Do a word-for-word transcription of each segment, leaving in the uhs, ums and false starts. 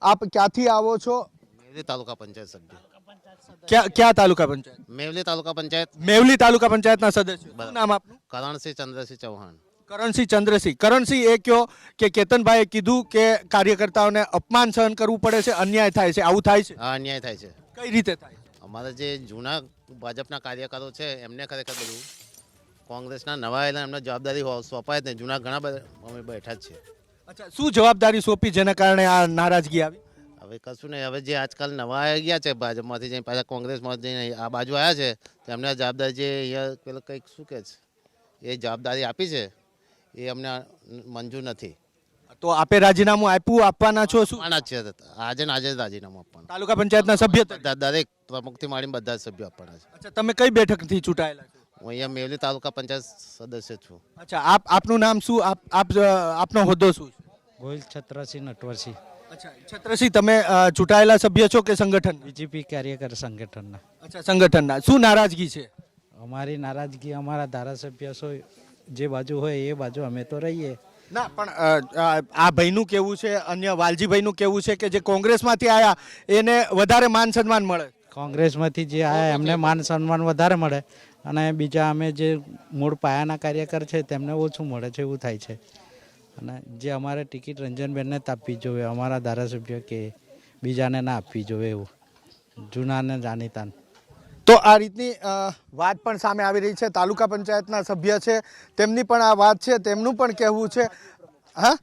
આપ ક્યાંથી આવો છો? મેવલી તાલુકા પંચાયત સભ્ય. ક્યાં ક્યાં તાલુકા પંચાયત? મેવલી તાલુકા પંચાયત. મેવલી તાલુકા પંચાયતના સદસ્ય. શું નામ આપનું? કરણસિંહ ચંદ્રસિંહ ચૌહાણ. કરણસિંહ ચંદ્રસિંહ. કરણસિંહ, એ કયો કે કેતનભાઈએ કીધું કે કાર્યકર્તાઓને અપમાન સહન કરવું પડે છે, અન્યાય થાય છે, આવું થાય છે? આ અન્યાય થાય છે. કઈ રીતે થાય? અમારા જે જૂના ભાજપના કાર્યકરો છે એમને ખરેખર બધું કોંગ્રેસના નવા આવેલા એમને જવાબદારી હો- સોંપાય જ નહીં. જૂના ઘણા બધા અમે બેઠા જ છે. અચ્છા, શું જવાબદારી સોંપી જેના કારણે આ નારાજગી આવી? હવે કશું નહીં. હવે જે આજકાલ નવા આવી ગયા છે ભાજપમાંથી જઈને પાછા કોંગ્રેસમાં જઈને આ બાજુ આવ્યા છે તેમને આ જવાબદારી જે અહીંયા પેલું કંઈક શું કહે છે એ જવાબદારી આપી છે એ અમને મંજૂર નથી. તો આપે રાજીનામું આપ્યું, આપવાના છો? શું આપવાના જ છે. આજે ને આજે જ રાજીનામું આપવાનું. તાલુકા પંચાયતના સભ્ય તરીકે? બધા દરેક પ્રમુખથી માંડીને બધા જ સભ્યો આપવાના છે. અચ્છા, તમે કઈ બેઠકથી ચૂંટાયેલા છો? હું અહીંયા મેવલી તાલુકા પંચાયત સદસ્ય છું. અચ્છા, આપ આપનું નામ શું? આપ આપ અ, આપનો હોદ્દો શું છે? ગોહિલ છત્રસિંહ નટવરસિંહ, અચ્છા, છત્રસિંહ, તમે અ, ચૂંટાયેલા સભ્ય છો કે સંગઠન? બીજેપી કાર્યકર સંગઠનના. અચ્છા, સંગઠનના. શું નારાજગી છે? અમારી નારાજગી અમારા ધારાસભ્ય છો જે બાજુ હોય એ બાજુ અમે તો રહીએ. ના, પણ અ, આ આ ભાઈનું કેવું છે, અન્ય વાલજીભાઈનું કેવું છે કે જે કોંગ્રેસમાંથી આયા એને વધારે માન સન્માન મળે. કોંગ્રેસમાંથી જે આવ્યા એમને માન સન્માન વધારે મળે અને બીજા અમે જે મૂળ પાયાના કાર્યકર છે તેમને ઓછું મળે છે, એવું થાય છે. અને જે અમારે ટિકિટ રંજનબેનને જ આપવી જોઈએ, અમારા ધારાસભ્ય કે બીજાને ના આપવી જોઈએ, એવું જૂનાને જાણીતા. તો આ રીતની અ, વાત પણ સામે આવી રહી છે. તાલુકા પંચાયતના સભ્ય છે, તેમની પણ આ વાત છે, તેમનું પણ કહેવું છે. હા,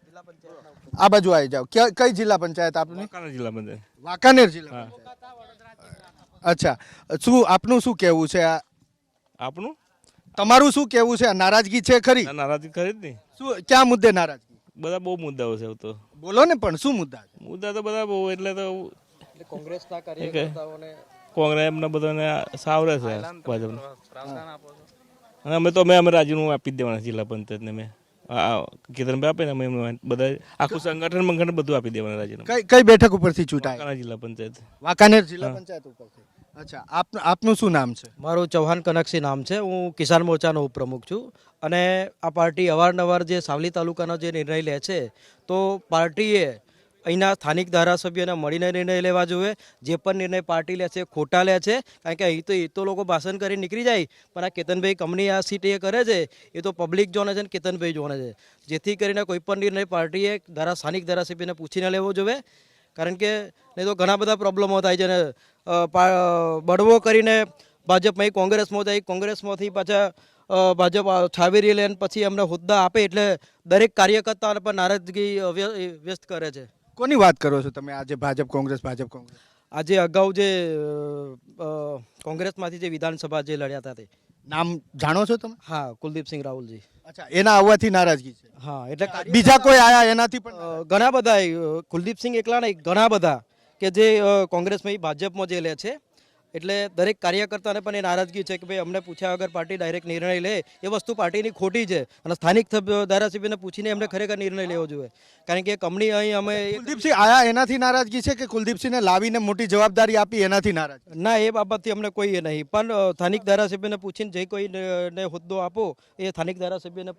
આ બાજુ આવી જાઓ. ક્યાં- કઈ જિલ્લા પંચાયત આપની? વાંકાનેર જિલ્લા પંચાયત. વાંકાનેર જિલ્લા પંચાયત. અચ્છા, શું આપનું શું કહેવું છે? આ આપણું તમારું શું કહેવું છે? આ નારાજગી છે ખરી? આ નારાજગી ખરી જ નહીં. શું, ક્યાં મુદ્દે નારાજગી? બધા બહુ મુદ્દાઓ છે. એવું તો બોલો ને, પણ શું મુદ્દા છે? મુદ્દા તો બધા બહુ એટલે તો કોંગ્રેસના કાર્યકર્તાઓને કોંગ્રેસ એમને બધાને સાવરે છે ભાજપને. અને અમે તો અમે અમે રાજીનામું આપી જ દેવાના જિલ્લા પંચાયતને. મેં કેતનભાઈ આપે ને અમે એમને બધા આખું સંગઠન મંગઠન બધું આપી દેવાના રાજીનામું. કઈ કઈ બેઠક ઉપરથી ચૂંટાય? વાંકાનેર જિલ્લા પંચાયત. વાંકાનેર જિલ્લા પંચાયત ઉપરથી. અચ્છા, આપ આપનું શું નામ છે? મારું ચૌહાણ કનકસિંહ નામ છે. હું કિસાન મોરચાનો ઉપપ્રમુખ છું. અને આ પાર્ટી અવારનવાર જે સાવલી તાલુકાનો જે નિર્ણય લે છે તો પાર્ટીએ અહીંના સ્થાનિક ધારાસભ્યોને મળીને નિર્ણય લેવા જોઈએ. જે પણ નિર્ણય પાર્ટી લે છે ખોટા લે છે, કારણ કે અહીં તો એ તો લોકો ભાષણ કરી નીકળી જાય, પણ આ કેતનભાઈ કંપની આ સીટ એ કરે છે એ તો પબ્લિક જોને છે ને કેતનભાઈ જોને છે. જેથી કરીને કોઈ પણ નિર્ણય પાર્ટીએ ધારા સ્થાનિક ધારાસભ્યને પૂછીને લેવો જોઈએ, કારણ કે નહીં તો ઘણા બધા પ્રોબ્લેમો થાય છે. ને અ, પા- બળવો કરીને ભાજપમાં કોંગ્રેસમાં જાય, કોંગ્રેસમાંથી પાછા અ, ભાજપ છાવેરી લે પછી એમને હોદ્દા આપે એટલે દરેક કાર્યકર્તાને પણ નારાજગી વ્ય- વ્યસ્ત કરે છે. કોની વાત કરો છો તમે? આજે ભાજપ કોંગ્રેસ, ભાજપ કોંગ્રેસ. આજે અગાઉ જે અ, કોંગ્રેસમાંથી જે વિધાનસભા જે લડ્યા હતા તે. નામ જાણો છો તમે? હા, કુલદીપસિંહ રાહુલજી. અચ્છા, એના આવવાથી નારાજગી છે. હા, એટલે બીજા કોઈ આયા એનાથી પણ? અ, ઘણા બધા અ, કુલદીપસિંહ એકલા નહીં, ઘણા બધા કે જે અ, કોંગ્રેસમાં ભાજપમાં જે લે છે. એટલે દરેક કાર્યકર્તાને પણ એ નારાજગી છે કે ભાઈ અમને પૂછ્યા વગર પાર્ટી ડાયરેક્ટ નિર્ણય લે એ વસ્તુ પાર્ટીની ખોટી છે. અને સ્થાનિક સભ્યો ધારાસભ્યને પૂછીને એમને ખરેખર નિર્ણય લેવો જોઈએ, કારણ કે કંપની અહીં અમે કુલદીપસિંહ આયા એનાથી નારાજગી છે કે કુલદીપસિંહને લાવીને મોટી જવાબદારી આપી એનાથી નારાજ? ના, એ બાબતથી અમને કોઈ એ નહીં, પણ અ, સ્થાનિક ધારાસભ્યને પૂછીને જે કોઈને હોદ્દો આપો એ સ્થાનિક ધારાસભ્યને